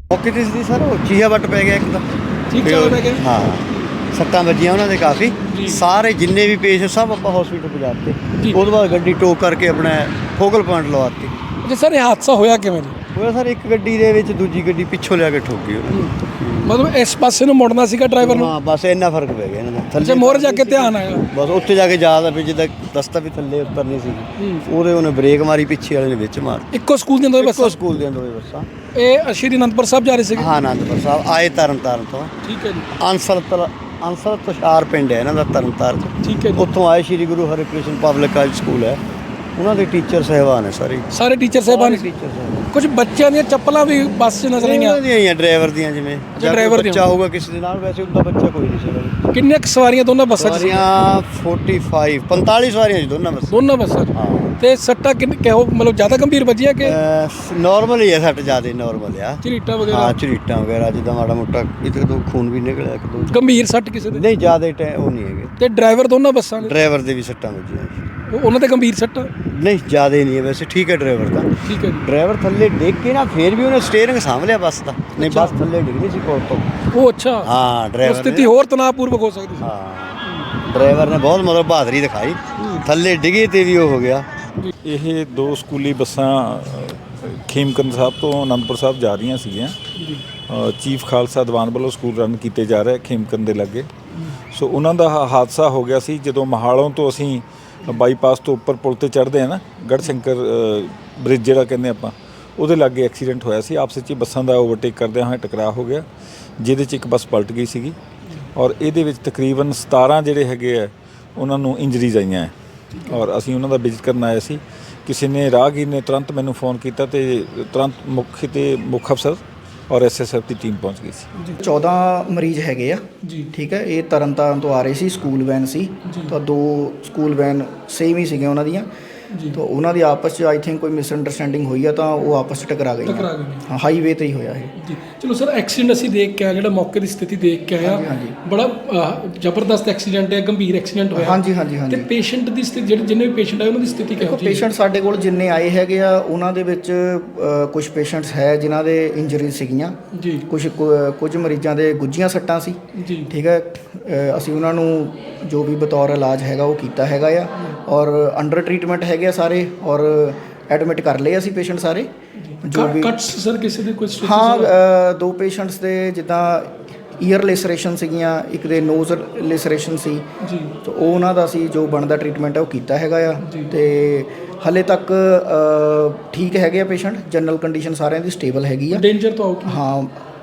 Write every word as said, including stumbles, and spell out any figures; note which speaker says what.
Speaker 1: ਮੌਕੇ ਤੇ ਸੀ ਸਰ, ਉਹ ਚੀਹਾ ਵੱਟ ਪੈ ਗਿਆ ਇੱਕ ਤਾਂ।
Speaker 2: ਠੀਕ ਚੱਲ ਪੈ ਗਿਆ।
Speaker 1: ਹਾਂ, ਸੱਟਾਂ ਵੱਜੀਆਂ ਉਹਨਾਂ ਦੇ ਕਾਫੀ। ਸਾਰੇ ਜਿੰਨੇ ਵੀ ਪੇਸ਼ ਸਭ ਆਪਾਂ ਹਸਪੀਟਲ ਪਹੁੰਚਾਤੇ। ਉਹ ਤੋਂ ਬਾਅਦ ਗੱਡੀ ਟੋਕ ਕਰਕੇ ਆਪਣਾ ਫੋਕਲ ਪੁਆਇੰਟ ਲਵਾਤੀ।
Speaker 2: ਅੱਛਾ ਸਰ, ਇਹ ਹਾਦਸਾ ਹੋਇਆ ਕਿਵੇਂ ਜੀ?
Speaker 1: ਹੋਇਆ ਸਰ, ਇੱਕ ਗੱਡੀ ਦੇ ਵਿੱਚ ਦੂਜੀ ਗੱਡੀ ਪਿੱਛੋਂ ਲਿਆ ਕੇ ਠੋਕ ਗਈ ਉਹਨੂੰ।
Speaker 2: ਮਤਲਬ ਇਸ ਪਾਸੇ ਨੂੰ ਮੁੜਨਾ ਸੀਗਾ ਡਰਾਈਵਰ ਨੂੰ?
Speaker 1: ਹਾਂ, ਬਸ ਇੰਨਾ ਫਰਕ ਪੈ ਗਿਆ ਇਹਨਾਂ ਦਾ।
Speaker 2: ਅੱਛਾ, ਮੋਹਰੇ ਜਾ ਕੇ ਧਿਆਨ ਆਇਆ
Speaker 1: ਬਸ, ਉੱਥੇ ਜਾ ਕੇ ਜ਼ਿਆਦਾ ਵੀ ਜਿੱਦਾਂ ਰਸਤਾ ਵੀ ਥੱਲੇ ਉਤਰਨੀ ਸੀ, ਉਹਦੇ ਉਹਨੇ ਬ੍ਰੇਕ ਮਾਰੀ, ਪਿੱਛੇ ਵਾਲੇ ਨੇ ਵਿੱਚ ਮਾਰ।
Speaker 2: ਇੱਕੋ ਸਕੂਲ ਦੀਆਂ ਦੋਵੇਂ ਬੱਸਾਂ?
Speaker 1: ਇੱਕੋ ਸਕੂਲ ਦੀਆਂ ਦੋਵੇਂ ਬੱਸਾਂ।
Speaker 2: ਇਹ ਸ਼੍ਰੀ ਅਨੰਦਪੁਰ ਸਾਹਿਬ ਜਾ ਰਹੇ ਸੀਗੇ?
Speaker 1: ਹਾਂ, ਅਨੰਦਪੁਰ ਸਾਹਿਬ ਆਏ, ਤਰਨ ਤਾਰਨ ਤੋਂ।
Speaker 2: ਠੀਕ ਹੈ ਜੀ।
Speaker 1: ਅੰਸਰ ਤਲ ਅੰਸਰ ਤੁਸ਼ਾਰ ਪਿੰਡ ਹੈ ਇਹਨਾਂ ਦਾ, ਤਰਨ ਤਾਰਨ।
Speaker 2: ਠੀਕ ਹੈ ਜੀ।
Speaker 1: ਉੱਥੋਂ ਆਏ, Shri Guru Harkrishan public college school ਹੈ, ਉਹਨਾਂ ਦੇ ਟੀਚਰ ਸਾਹਿਬਾਨ ਹੈ ਸਾਰੇ।
Speaker 2: ਸਾਰੇ ਟੀਚਰ ਸਾਹਿਬਾਨ?
Speaker 1: ਟੀਚਰ ਸਾਹਿਬਾਨ।
Speaker 2: ਕੁਝ ਬੱਚਿਆਂ ਦੀਆਂ ਚੱਪਲਾਂ ਵੀ ਬੱਸ 'ਚ ਨਜ਼ਰ ਆਈਆਂ?
Speaker 1: ਉਹਨਾਂ ਦੀਆਂ ਹੀ ਆ, ਡਰਾਈਵਰ ਦੀਆਂ। ਜਿਵੇਂ
Speaker 2: ਜਾਂ ਡਰਾਈਵਰ ਦੀਆਂ
Speaker 1: ਬੱਚਾ ਹੋਊਗਾ ਕਿਸੇ ਦੇ ਨਾਲ, ਵੈਸੇ ਉਹਦਾ ਬੱਚਾ ਕੋਈ ਨਹੀਂ ਸੀ।
Speaker 2: ਕਿੰਨੀਆਂ ਕੁ ਸਵਾਰੀਆਂ ਦੋਨਾਂ ਬੱਸਾਂ 'ਚ?
Speaker 1: ਸਵਾਰੀਆਂ ਪੈਂਤਾਲੀ ਪੰਤਾਲੀ ਸਵਾਰੀਆਂ ਜੀ ਦੋਨਾਂ ਬੱਸਾਂ।
Speaker 2: ਦੋਨਾਂ ਬੱਸਾਂ 'ਚ?
Speaker 1: ਹਾਂ।
Speaker 2: ਤੇ ਸੱਟਾਂ ਕਿੰਨ ਕਿਹੋ ਮਤਲਬ ਜ਼ਿਆਦਾ ਗੰਭੀਰ ਵੱਜੀਆਂ ਕਿ
Speaker 1: ਨਾਰਮਲ ਹੀ ਹੈ? ਸੱਟ ਜ਼ਿਆਦਾ ਨਾਰਮਲ ਆ।
Speaker 2: ਝਰੀਟਾਂ ਵਗੈਰਾ?
Speaker 1: ਹਾਂ, ਝਰੀਟਾਂ ਵਗੈਰਾ, ਜਿੱਦਾਂ ਮਾੜਾ ਮੋਟਾ ਇੱਕ ਦੋ ਖੂਨ ਵੀ ਨਿਕਲਿਆ, ਇੱਕ ਦੋ।
Speaker 2: ਗੰਭੀਰ ਸੱਟ ਕਿਸੇ ਦੇ?
Speaker 1: ਨਹੀਂ, ਜ਼ਿਆਦਾ ਟੈ ਉਹ ਨਹੀਂ ਹੈਗੇ।
Speaker 2: ਤੇ ਡਰਾਈਵਰ ਦੋਨਾਂ ਬੱਸਾਂ ਦੇ?
Speaker 1: ਡਰਾਈਵਰ ਦੇ ਵੀ ਸੱਟਾਂ ਵੱਜੀਆਂ।
Speaker 2: ਉਹ- ਉਹਨਾਂ ਤੇ ਗੰਭੀਰ ਸੱਟਾਂ?
Speaker 1: ਨਹੀਂ, ਜ਼ਿਆਦਾ ਨਹੀਂ ਹੈ ਵੈਸੇ, ਠੀਕ ਹੈ ਡਰਾਈਵਰ ਦਾ।
Speaker 2: ਠੀਕ ਹੈ ਜੀ।
Speaker 1: ਡਰਾਈਵਰ ਥੱਲੇ ਡਿੱਗ ਕੇ ਨਾ, ਫੇਰ ਵੀ ਉਹਨੇ ਸਟੀਅਰਿੰਗ ਸਾਂਭ ਲਿਆ ਬੱਸ ਦਾ। ਨਹੀਂ, ਬੱਸ ਥੱਲੇ ਡਿੱਗਣੀ ਸੀ ਕੋਲ ਤੋਂ।
Speaker 2: ਉਹ ਅੱਛਾ।
Speaker 1: ਹਾਂ,
Speaker 2: ਉਹ
Speaker 1: ਡਰਾਈਵਰ
Speaker 2: ਸਥਿਤੀ ਹੋਰ ਤਣਾਅਪੂਰਵਕ ਹੋ ਸਕਦੀ ਸੀ।
Speaker 1: ਹਾਂ, ਡਰਾਈਵਰ ਨੇ ਬਹੁਤ ਮਤਲਬ ਬਹਾਦਰੀ ਦਿਖਾਈ, ਥੱਲੇ ਡਿੱਗੇ ਤੇ ਵੀ ਉਹ ਹੋ ਗਿਆ।
Speaker 3: ਇਹ ਦੋ ਸਕੂਲੀ ਬੱਸਾਂ ਖੇਮਕਰਨ ਸਾਹਿਬ ਤੋਂ ਅਨੰਦਪੁਰ ਸਾਹਿਬ ਜਾ ਰਹੀਆਂ ਸੀਗੀਆਂ। ਚੀਫ ਖਾਲਸਾ ਦੀਵਾਨ ਵੱਲੋਂ ਸਕੂਲ ਰਨ ਕੀਤੇ ਜਾ ਰਹੇ ਖੇਮਕਰਨ ਦੇ ਲਾਗੇ। ਸੋ ਉਹਨਾਂ ਦਾ ਹਾ- ਹਾਦਸਾ ਹੋ ਗਿਆ ਸੀ ਜਦੋਂ ਮਹਾਲੋਂ ਤੋਂ ਅਸੀਂ ਬਾਈਪਾਸ ਤੋਂ ਉੱਪਰ ਪੁਲ ਤੇ ਚੜ੍ਹਦੇ ਆ ਨਾ, ਗੜ੍ਹਸ਼ੰਕਰ ਬ੍ਰਿਜ ਜਿਹੜਾ ਕਹਿੰਦੇ ਆਪਾਂ, ਉਹਦੇ ਲਾਗੇ ਐਕਸੀਡੈਂਟ ਹੋਇਆ ਸੀ। ਆਪਸ ਵਿੱਚ ਹੀ ਬੱਸਾਂ ਦਾ ਓਵਰਟੇਕ ਕਰਦਿਆਂ ਹੋਏ ਟਕਰਾਅ ਹੋ ਗਿਆ, ਜਿਹਦੇ 'ਚ ਇੱਕ ਬੱਸ ਪਲਟ ਗਈ ਸੀਗੀ ਔਰ ਇਹਦੇ ਵਿੱਚ ਤਕਰੀਬਨ ਸਤਾਰਾਂ ਜਿਹੜੇ ਹੈਗੇ ਆ ਉਹਨਾਂ ਨੂੰ ਇੰਜਰੀਜ਼ ਆਈਆਂ ਹੈ ਔਰ ਅਸੀਂ ਉਹਨਾਂ ਦਾ ਵਿਜ਼ਿਟ ਕਰਨ ਆਏ ਸੀ। ਕਿਸੇ ਨੇ ਰਾਹਗੀਰ ਨੇ ਤੁਰੰਤ ਮੈਨੂੰ ਫੋਨ ਕੀਤਾ ਤੇ ਤੁਰੰਤ ਮੁੱਖ ਤੇ ਮੁੱਖ ਅਫਸਰ ਔਰ ਐਸ ਐਸ ਐਫ ਦੀ ਟੀਮ ਪਹੁੰਚ ਗਈ ਸੀ।
Speaker 4: ਚੌਦਾਂ ਮਰੀਜ਼ ਹੈਗੇ ਆ
Speaker 2: ਜੀ।
Speaker 4: ਠੀਕ ਹੈ। ਇਹ ਤਰਨ ਤਾਰਨ ਤੋਂ ਆ ਰਹੇ ਸੀ, ਸਕੂਲ ਵੈਨ ਸੀ। ਤਾਂ ਦੋ ਸਕੂਲ ਵੈਨ ਸੇਮ ਹੀ ਸੀਗੀਆਂ ਉਹਨਾਂ ਦੀਆਂ। ਤਾਂ ਉਹਨਾਂ ਦੀ ਆਪਸ 'ਚ ਆਈ ਥਿੰਕ ਕੋਈ ਮਿਸਅੰਡਰਸਟੈਂਡਿੰਗ ਹੋਈ ਆ, ਤਾਂ ਉਹ ਆਪਸ 'ਚ ਟਕਰਾ ਗਏ।
Speaker 2: ਟਕਰਾ ਗਏ।
Speaker 4: ਹਾਂ, ਹਾਈਵੇ ਤੇ ਹੀ ਹੋਇਆ ਇਹ।
Speaker 2: ਜੀ ਚਲੋ ਸਰ, ਐਕਸੀਡੈਂਟ ਅਸੀਂ ਦੇਖ ਕੇ ਆਏ, ਜਿਹੜਾ ਮੌਕੇ ਦੀ ਸਥਿਤੀ ਦੇਖ ਕੇ ਆਇਆ, ਬੜਾ ਅਹ, ਜ਼ਬਰਦਸਤ ਐਕਸੀਡੈਂਟ ਹੈ, ਗੰਭੀਰ ਐਕਸੀਡੈਂਟ ਹੋਇਆ।
Speaker 4: ਹਾਂਜੀ ਹਾਂਜੀ ਹਾਂਜੀ।
Speaker 2: ਤੇ ਪੇਸ਼ੈਂਟ ਦੀ ਸਥਿਤੀ, ਜਿਹੜੇ ਜਿੰਨੇ ਵੀ ਪੇਸ਼ੈਂਟ ਆਏ ਉਹਨਾਂ ਦੀ ਸਥਿਤੀ ਕਿਹੋ ਜਿਹੀ ਹੈ?
Speaker 4: ਪੇਸ਼ੈਂਟ ਸਾਡੇ ਕੋਲ ਜਿੰਨੇ ਆਏ ਹੈਗੇ ਆ, ਉਹਨਾਂ ਦੇ ਵਿੱਚ ਕੁਝ ਪੇਸ਼ੈਂਟਸ ਹੈ ਜਿਨ੍ਹਾਂ ਦੇ ਇੰਜਰੀ ਸੀਗੀਆਂ
Speaker 2: ਜੀ।
Speaker 4: ਕੁਝ ਕੁਝ ਮਰੀਜ਼ਾਂ ਦੇ ਗੁੱਝੀਆਂ ਸੱਟਾਂ ਸੀ।
Speaker 2: ਜੀ।
Speaker 4: ਠੀਕ ਹੈ। ਅ, ਅਸੀਂ ਉਹਨਾਂ ਨੂੰ ਜੋ ਵੀ ਬਤੌਰ ਇਲਾਜ ਹੈਗਾ ਉਹ ਕੀਤਾ ਹੈਗਾ ਆ, ਔਰ ਅੰਡਰ ਟਰੀਟਮੈਂਟ ਹੈਗੇ ਆ ਸਾਰੇ, ਔਰ ਐਡਮਿਟ ਕਰ ਲਏ ਅਸੀਂ ਪੇਸ਼ੈਂਟ ਸਾਰੇ ਜੋ ਵੀ।
Speaker 2: ਕੱਟਸ ਸਰ ਕਿਸੇ ਦੇ ਕੋਈ stitches?
Speaker 4: ਹਾਂ, ਅ, ਦੋ ਪੇਸ਼ੈਂਟਸ ਦੇ ਜਿੱਦਾਂ ਈਅਰ ਲੈਸਰੇਸ਼ਨ ਸੀਗੀਆਂ, ਇੱਕ ਦੇ ਨੋਜ਼ ਲੈਸਰੇਸ਼ਨ ਸੀ।
Speaker 2: ਜੀ।
Speaker 4: ਤਾਂ ਉਹ ਉਹਨਾਂ ਦਾ ਅਸੀਂ ਜੋ ਬਣਦਾ ਟਰੀਟਮੈਂਟ ਹੈ ਉਹ ਕੀਤਾ ਹੈਗਾ ਆ। ਤੇ ਹਲੇ ਤੱਕ ਅ, ਠੀਕ ਹੈਗੇ ਆ ਪੇਸ਼ੈਂਟ, ਜਨਰਲ ਕੰਡੀਸ਼ਨ ਸਾਰਿਆਂ ਦੀ ਸਟੇਬਲ ਹੈਗੀ ਆ।
Speaker 2: ਡੇਂਜਰ ਤੋਂ ਆਊਟ?
Speaker 4: ਹਾਂ,